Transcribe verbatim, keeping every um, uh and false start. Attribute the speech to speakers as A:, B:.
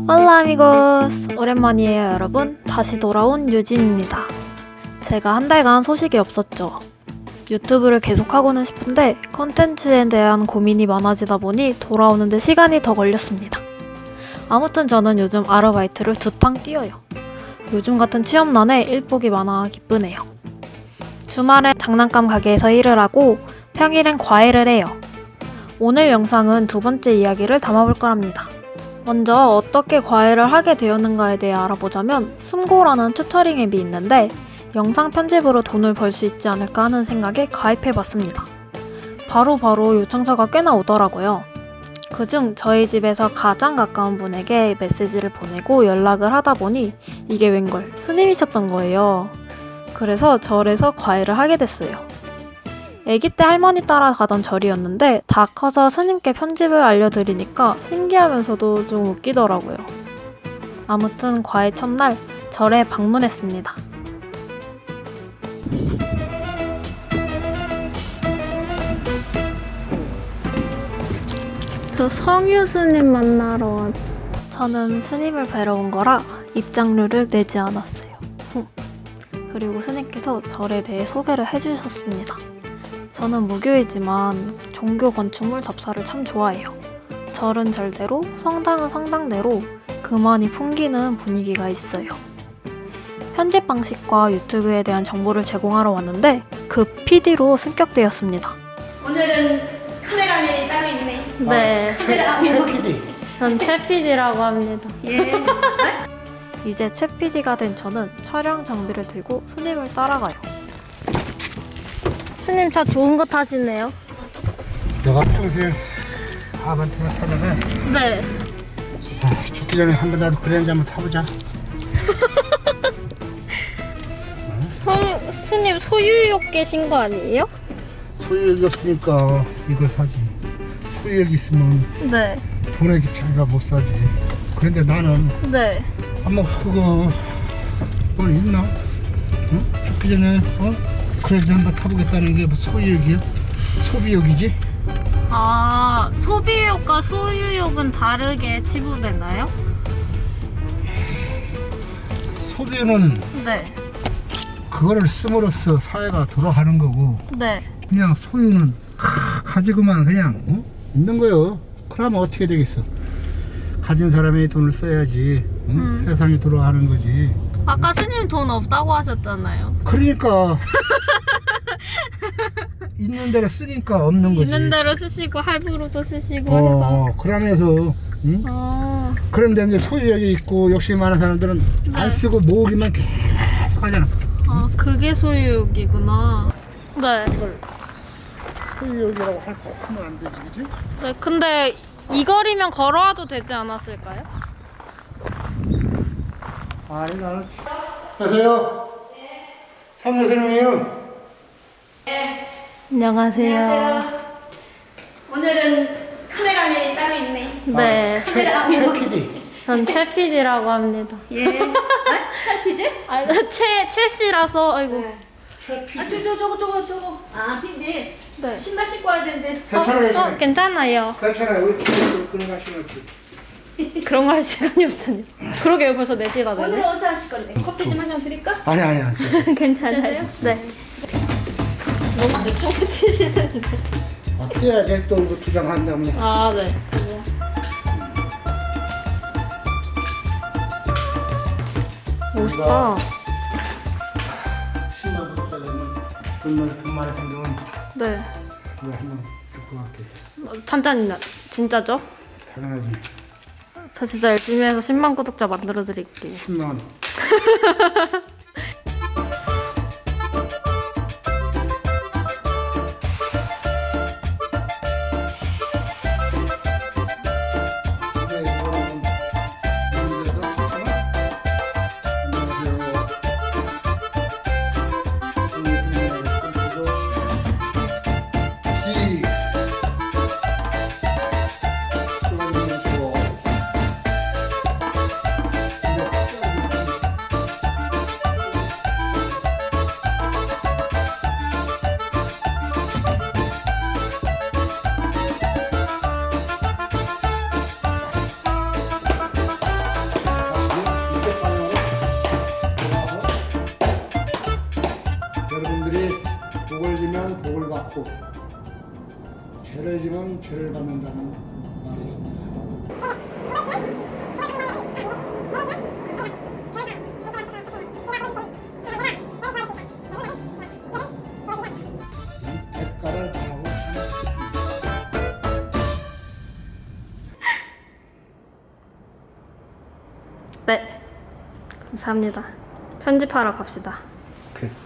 A: 할라 아미고스! 오랜만이에요 여러분. 다시 돌아온 유진입니다. 제가 한 달간 소식이 없었죠. 유튜브를 계속하고는 싶은데 컨텐츠에 대한 고민이 많아지다 보니 돌아오는데 시간이 더 걸렸습니다. 아무튼 저는 요즘 아르바이트를 두 탕 뛰어요. 요즘 같은 취업난에 일복이 많아 기쁘네요. 주말에 장난감 가게에서 일을 하고 평일엔 과외를 해요. 오늘 영상은 두 번째 이야기를 담아볼 거랍니다. 먼저 어떻게 과외를 하게 되었는가에 대해 알아보자면 숨고라는 튜터링 앱이 있는데 영상 편집으로 돈을 벌 수 있지 않을까 하는 생각에 가입해봤습니다. 바로바로 요청서가 꽤나 오더라고요. 그중 저희 집에서 가장 가까운 분에게 메시지를 보내고 연락을 하다 보니 이게 웬걸 스님이셨던 거예요. 그래서 절에서 과외를 하게 됐어요. 아기 때 할머니 따라 가던 절이었는데 다 커서 스님께 편집을 알려드리니까 신기하면서도 좀 웃기더라고요. 아무튼 과외 첫날 절에 방문했습니다. 저 성유 스님 만나러 왔... 저는 스님을 뵈러 온 거라 입장료를 내지 않았어요. 그리고 스님께서 절에 대해 소개를 해주셨습니다. 저는 무교이지만 종교 건축물 답사를 참 좋아해요. 절은 절대로, 성당은 성당대로 그만이 풍기는 분위기가 있어요. 편집 방식과 유튜브에 대한 정보를 제공하러 왔는데 그 피디로 승격되었습니다.
B: 오늘은 카메라맨이 따로 있네.
A: 네,
B: 카메라
C: 최 피디.
A: 전 최 피디라고 합니다.
B: 예.
A: 이제 최 피디가 된 저는 촬영 장비를 들고 스님을 따라가요. 스님 차 좋은 거 타시네요.
C: 내가 평소에 아반떼만 타다가
A: 네.
C: 아, 죽기 전에 한 번 나도 그랜저 한번 타보자.
A: 성, 스님 소유욕 계신 거 아니에요?
C: 소유욕이 없으니까 이걸 사지. 소유욕이 있으면
A: 네.
C: 돈의 집착이가 못 사지. 그런데 나는
A: 네.
C: 아마 그거 뭐 있나? 응? 죽기 전에 어? 그랜저 한번 타보겠다는 게 뭐 소유욕이야? 소비욕이지?
A: 아, 소비욕과 소유욕은 다르게 치부되나요?
C: 소비는
A: 네.
C: 그거를 씀으로써 사회가 돌아가는 거고
A: 네.
C: 그냥 소유는 하, 가지고만 그냥 어? 있는 거요. 그러면 어떻게 되겠어? 가진 사람이 돈을 써야지 응?
A: 음.
C: 세상이 돌아가는 거지.
A: 아까 스님 돈 없다고 하셨잖아요.
C: 그러니까 있는 대로 쓰니까 없는 거지.
A: 있는 대로 쓰시고 할부로도 쓰시고
C: 어,
A: 해서.
C: 어, 그러면서 응?
A: 어.
C: 그런데 이제 소유욕이 있고 욕심이 많은 사람들은
A: 네.
C: 안 쓰고 모으기만 계속 하잖아.
A: 아, 그게 소유욕이구나. 네.
C: 이걸 소유욕이라고 할 거 하면 안 되지, 그지?
A: 네, 근데 이 거리면 걸어와도 되지 않았을까요?
C: 아니 나는 안녕하세요. 네. 상무선생님이요.
B: 네.
A: 안녕하세요.
B: 안녕하세요. 오늘은 카메라맨이 따로 있네.
A: 네.
B: 카메라
C: 최 피디.
A: 전 최 피디라고 합니다.
B: 예. 아? 탈피지?
A: 아, 최, 최 씨라서, 아이고.
C: 최
B: 아,
C: 피디.
B: 저, 저, 저거, 저거, 저거. 아, 핀디.
A: 네.
B: 신발 신고 와야 되는데.
C: 괜찮아요.
A: 어,
C: 괜찮아요.
A: 괜찮아요.
C: 괜찮아요. 우리 피디 그런 거 하시면
A: 그런 거 할 시간이 없잖아요. 그러게요, 벌써 네 시가
B: 오늘은
A: 되네.
B: 어디서 하실 건데? 커피 좀 한 잔 드릴까?
C: 아니 아니 아니.
A: 괜찮아요. 네. 너무 대충 치시는데.
C: 어때야 돼또 이거 투장한다면.
A: 아, 네. 멋있다.
C: 십만 부터는 돈만 돈만 생기면
A: 네.
C: 이거 한번 듣고 갈게.
A: 찬찬이나 진짜죠?
C: 당연하지.
A: 저 진짜 열심히 해서 십만 구독자 만들어 드릴게요.
C: 십만 원. 하면 죄를 받는다는 말이 있습니다. 대가를 바라고
A: 네, 감사합니다. 편집하러 갑시다.
C: 그래.